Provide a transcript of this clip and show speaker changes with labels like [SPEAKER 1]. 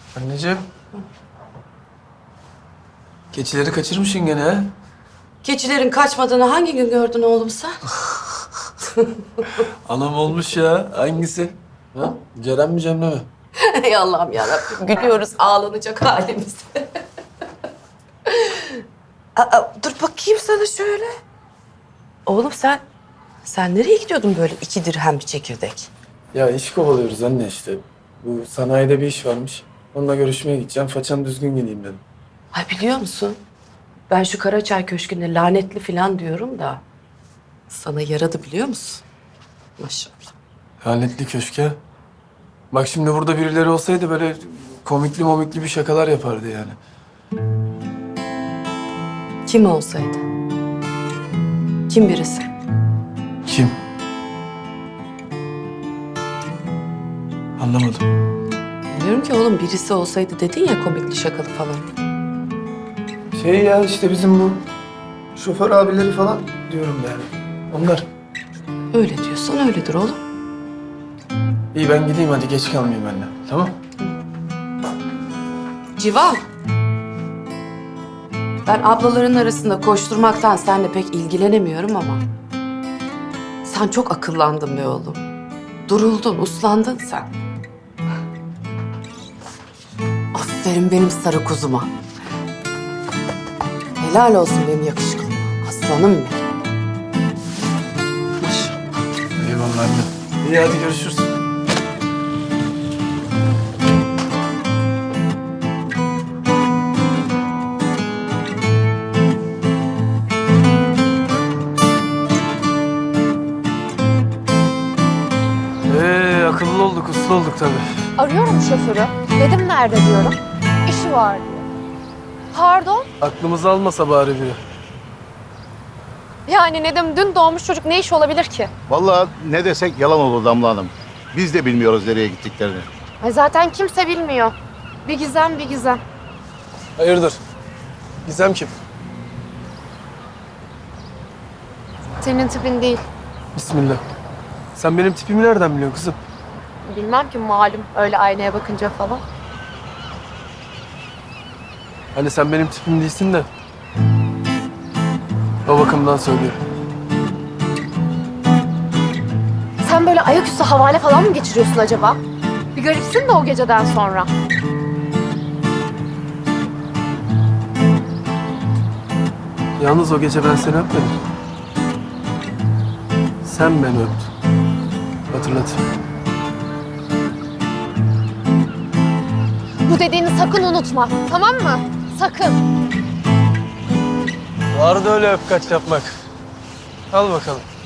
[SPEAKER 1] Anneciğim. Keçileri kaçırmışsın gene ha?
[SPEAKER 2] Keçilerin kaçmadığını hangi gün gördün oğlum sen?
[SPEAKER 1] Anam olmuş ya. Hangisi? Ha? Ceren mi Cemre mi?
[SPEAKER 2] Ey Allah'ım yarabbim, gülüyoruz ağlanacak halimize. Dur bakayım sana şöyle. Oğlum sen nereye gidiyordun böyle 2 dirhem bir çekirdek?
[SPEAKER 1] Ya iş kovalıyoruz anne işte. Bu sanayide bir iş varmış. Onunla görüşmeye gideceğim. Façam düzgün gideyim dedim.
[SPEAKER 2] Ay biliyor musun? Ben şu Karaçay Köşkü'nde lanetli falan diyorum da... ...sana yaradı biliyor musun? Maşallah.
[SPEAKER 1] Lanetli köşke. Bak şimdi burada birileri olsaydı böyle komikli bir şakalar yapardı yani.
[SPEAKER 2] Kim olsaydı? Kim birisi?
[SPEAKER 1] Kim? Anlamadım.
[SPEAKER 2] Diyorum ki oğlum birisi olsaydı dedin ya komikli şakalı falan.
[SPEAKER 1] Şey ya işte bizim bu şoför abileri falan diyorum yani. Onlar.
[SPEAKER 2] Öyle diyorsan öyledir oğlum.
[SPEAKER 1] İyi ben gideyim hadi geç kalmayayım anne. Tamam?
[SPEAKER 2] Civan. Ben ablaların arasında koşturmaktan seninle pek ilgilenemiyorum ama... ...sen çok akıllandın be oğlum. Duruldun, uslandın sen. Aferin benim sarı kuzuma. Helal olsun benim yakışıklım. Aslanım benim. Maşallah.
[SPEAKER 1] Eyvallah anne. İyi hadi görüşürüz. Akıllı olduk, uslu olduk tabii.
[SPEAKER 3] Arıyorum şoförü. Dedim nerede diyorum. İşi var diyor. Pardon?
[SPEAKER 1] Aklımızı almasa bari biri.
[SPEAKER 3] Yani Nedim dün doğmuş çocuk ne iş olabilir ki?
[SPEAKER 4] Vallahi ne desek yalan olur Damla Hanım. Biz de bilmiyoruz nereye gittiklerini.
[SPEAKER 3] Ay zaten kimse bilmiyor. Bir gizem bir gizem.
[SPEAKER 1] Hayırdır? Gizem kim?
[SPEAKER 3] Senin tipin değil.
[SPEAKER 1] Bismillah. Sen benim tipimi nereden biliyorsun kızım?
[SPEAKER 3] Bilmem ki malum öyle aynaya bakınca falan.
[SPEAKER 1] Hani sen benim tipim değilsin de. O bakımdan söylüyorum.
[SPEAKER 3] Sen böyle ayaküstü havale falan mı geçiriyorsun acaba? Bir garipsin de o geceden sonra.
[SPEAKER 1] Yalnız o gece ben seni öpmedim. Sen beni öptün. Hatırlat.
[SPEAKER 3] Bu dediğini sakın unutma. Tamam mı? Sakın.
[SPEAKER 1] Vardı öyle öp kaç yapmak. Al bakalım.